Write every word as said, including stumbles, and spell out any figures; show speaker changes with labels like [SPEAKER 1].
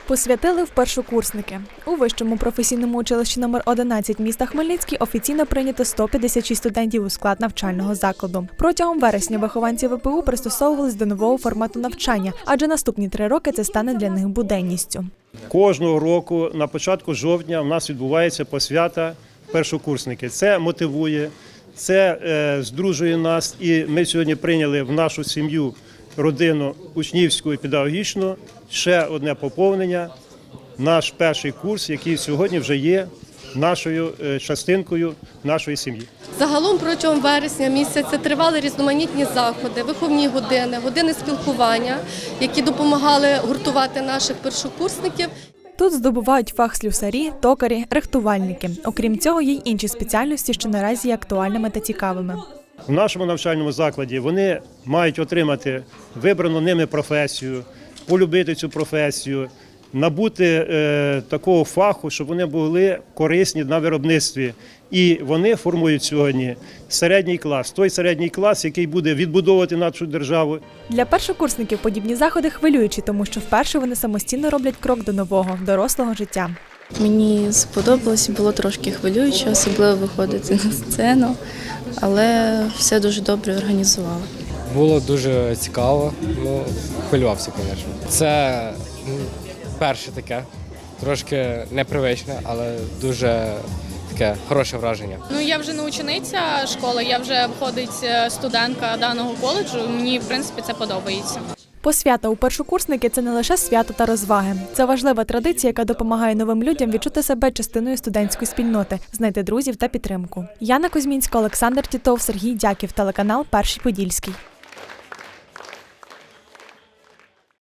[SPEAKER 1] Посвятили в першокурсники. У Вищому професійному училищі номер одинадцять міста Хмельницький офіційно прийнято сто п'ятдесят шість студентів у склад навчального закладу. Протягом вересня вихованці ВПУ пристосовувались до нового формату навчання, адже наступні три роки це стане для них буденністю.
[SPEAKER 2] Кожного року на початку жовтня у нас відбувається посвята першокурсники. Це мотивує, це е, здружує нас, і ми сьогодні прийняли в нашу сім'ю, родину учнівську і педагогічну ще одне поповнення, наш перший курс, який сьогодні вже є нашою частинкою нашої сім'ї.
[SPEAKER 3] Загалом протягом вересня місяця тривали різноманітні заходи, виховні години, години спілкування, які допомагали гуртувати наших першокурсників.
[SPEAKER 1] Тут здобувають фах слюсарі, токарі, рихтувальники. Окрім цього, є й інші спеціальності, що наразі є актуальними та цікавими.
[SPEAKER 2] В нашому навчальному закладі вони мають отримати вибрану ними професію, полюбити цю професію, набути е, такого фаху, щоб вони були корисні на виробництві. І вони формують сьогодні середній клас, той середній клас, який буде відбудовувати нашу державу.
[SPEAKER 1] Для першокурсників подібні заходи хвилюючі, тому що вперше вони самостійно роблять крок до нового, дорослого життя.
[SPEAKER 4] Мені сподобалось, було трошки хвилююче, особливо виходити на сцену, але все дуже добре організували.
[SPEAKER 5] Було дуже цікаво, ну, хвилювався, звісно. Це перше таке, трошки непривичне, але дуже таке хороше враження.
[SPEAKER 6] Ну, я вже не учениця школи, я вже входить студентка даного коледжу, мені, в принципі, це подобається.
[SPEAKER 1] Посвята у першокурсники – це не лише свято та розваги. Це важлива традиція, яка допомагає новим людям відчути себе частиною студентської спільноти, знайти друзів та підтримку. Яна Кузьмінська, Олександр Тітов, Сергій Дяків, телеканал «Перший Подільський».